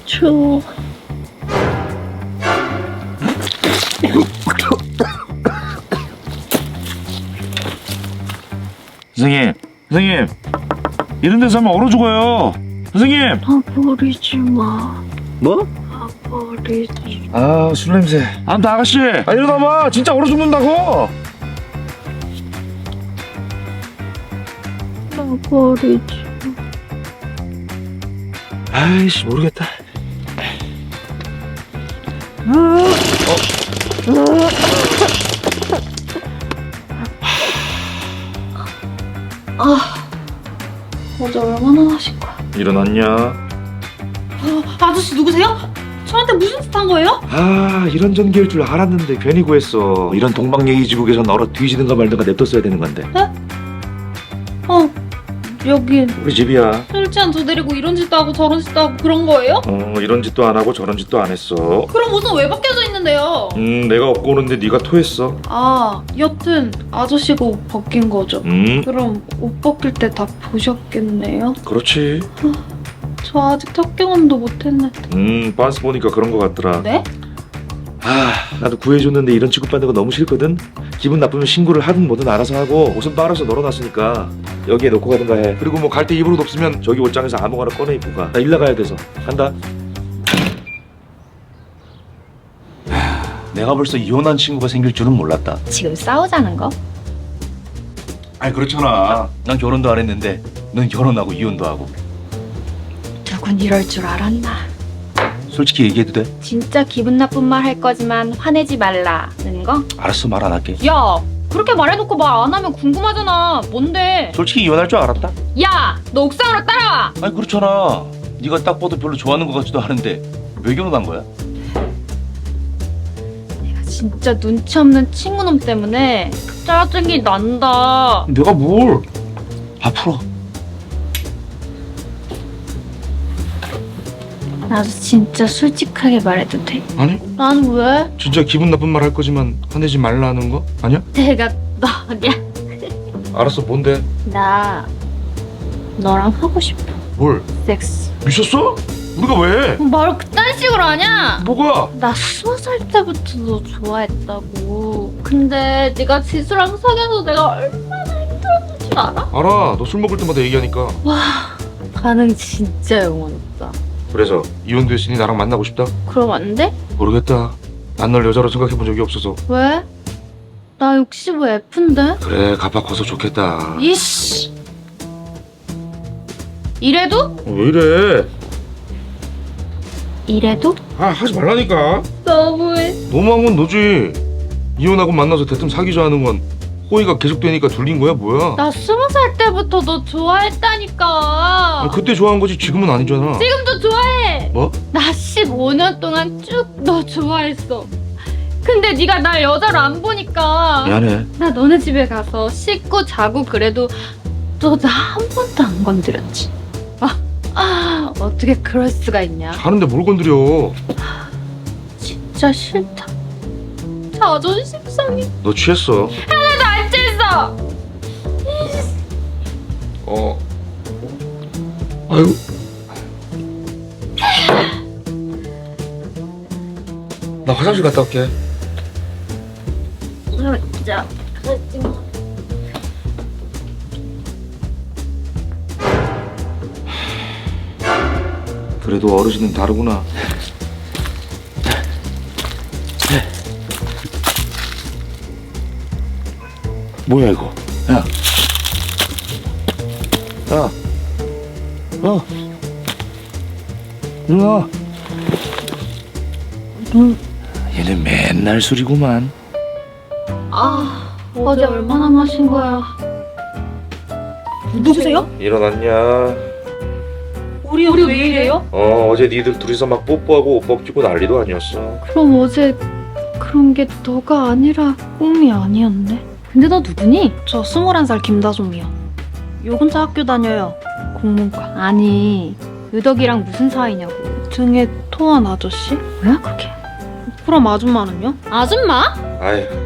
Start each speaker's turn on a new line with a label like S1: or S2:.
S1: 추워.
S2: 선생님, 이런 데서 하면 얼어 죽어요. 선생님.
S1: 나 버리지 마.
S2: 뭐?
S1: 나 버리지.
S2: 아, 술 냄새. 안돼 아가씨. 일어나봐. 진짜 얼어 죽는다고.
S1: 나 버리지.
S2: 아이씨 모르겠다.
S1: 어제 얼마나 마신 거야?
S2: 일어났냐?
S3: 아저씨 누구세요? 저한테 무슨 짓 한 거예요?
S2: 아, 이런 전기일 줄 알았는데 괜히 구했어. 이런 동방예의지국에선 얼어 뒤지든가 말든가 냅뒀어야 되는 건데.
S3: 여긴
S2: 우리 집이야.
S3: 술 취한 저 데리고 이런 짓도 하고 저런 짓도 하고 그런 거예요?
S2: 이런 짓도 안 하고 저런 짓도 안 했어.
S3: 그럼 옷은 왜 벗겨져 있는데요?
S2: 내가 업고 오는데 네가 토했어.
S3: 아, 여튼 아저씨가 옷 벗긴 거죠? 그럼 옷 벗길 때 다 보셨겠네요?
S2: 그렇지.
S3: 저 아직 첫 경험도 못했는데.
S2: 빤스 보니까 그런 거 같더라.
S3: 네?
S2: 아, 나도 구해줬는데 이런 취급받는 거 너무 싫거든. 기분 나쁘면 신고를 하든 뭐든 알아서 하고 옷은 빨아서 널어놨으니까 여기에 놓고 가든가 해. 그리고 뭐 갈 때 입을 옷 없으면 저기 옷장에서 아무거나 꺼내 입고 가. 나 일 나가야 돼서 간다. 내가 벌써 이혼한 친구가 생길 줄은 몰랐다.
S4: 지금 싸우자는 거?
S2: 아니 그렇잖아. 난 결혼도 안 했는데 넌 결혼하고 이혼도 하고.
S4: 누군 이럴 줄 알았나?
S2: 솔직히 얘기해도 돼?
S4: 진짜 기분 나쁜 말 할 거지만 화내지 말라는 거?
S2: 알았어, 말 안 할게.
S4: 야! 그렇게 말해놓고 말 안 하면 궁금하잖아. 뭔데?
S2: 솔직히 이혼할 줄 알았다.
S4: 야! 너 옥상으로 따라와!
S2: 아니 그렇잖아. 네가 딱 봐도 별로 좋아하는 것 같지도 않은데 왜 결혼한 거야?
S4: 내가 진짜 눈치 없는 친구놈 때문에 짜증이 난다.
S2: 내가 뭘? 앞으로.
S4: 나도 진짜 솔직하게 말해도 돼?
S2: 아니
S4: 난 왜?
S2: 진짜 기분 나쁜 말 할 거지만 화내지 말라는 거 아니야?
S4: 내가 너냐?
S2: 알았어, 뭔데?
S4: 나 너랑 하고 싶어.
S2: 뭘?
S4: 섹스.
S2: 미쳤어? 우리가 왜?
S4: 말 그딴 식으로 하냐?
S2: 뭐가?
S4: 나 20살 때부터 너 좋아했다고. 근데 네가 지수랑 사귀어서 내가 얼마나 힘들었는지 알아?
S2: 알아. 너 술 먹을 때마다 얘기하니까.
S4: 반응 진짜 영원했다.
S2: 그래서 이혼도 했으니 나랑 만나고 싶다?
S4: 그럼 안 돼?
S2: 모르겠다. 난 널 여자로 생각해 본 적이 없어서.
S4: 왜? 나 65F인데?
S2: 그래, 가파 커서 좋겠다.
S4: 이씨. 이래도?
S2: 왜 이래?
S4: 이래도?
S2: 아, 하지 말라니까.
S4: 너무해.
S2: 너무한 건 너지. 이혼하고 만나서 대뜸 사귀자 하는 건 호의가 계속되니까 둘린 거야, 뭐야?
S4: 나 20살 때부터 너 좋아했다니까.
S2: 아, 그때 좋아한 거지 지금은 아니잖아.
S4: 지금도 좋아해.
S2: 뭐?
S4: 나 15년 동안 쭉 너 좋아했어. 근데 네가 날 여자로 안 보니까
S2: 미안해.
S4: 나 너네 집에 가서 씻고 자고 그래도 너 나 한 번도 안 건드렸지. 어떻게 그럴 수가 있냐.
S2: 하는데 뭘 건드려.
S4: 진짜 싫다. 자존심 상해.
S2: 너 취했어.
S4: 하나도 안 취했어.
S2: 아이고. 나 화장실 갔다 올게.
S4: 진짜.
S2: 그래도 어르신은 다르구나. 뭐야 이거? 야. 야. 누나. 얘네 맨날 술이구만.
S4: 어제 얼마나 마신 거야.
S3: 누구세요?
S2: 일어났냐?
S3: 우리 왜 이래요?
S2: 어제 니들 둘이서 막 뽀뽀하고 옷 벗기고 난리도 아니었어.
S4: 그럼 어제 그런 게 너가 아니라 꿈이 아니었네. 근데 너 누구니?
S3: 저 21살 김다솜이요. 요 혼자 학교 다녀요. 공문과.
S4: 아니 유덕이랑 무슨 사이냐고.
S3: 등에 토한 아저씨?
S4: 뭐야 그게?
S3: 그럼 아줌마는요?
S4: 아줌마?
S2: 아이,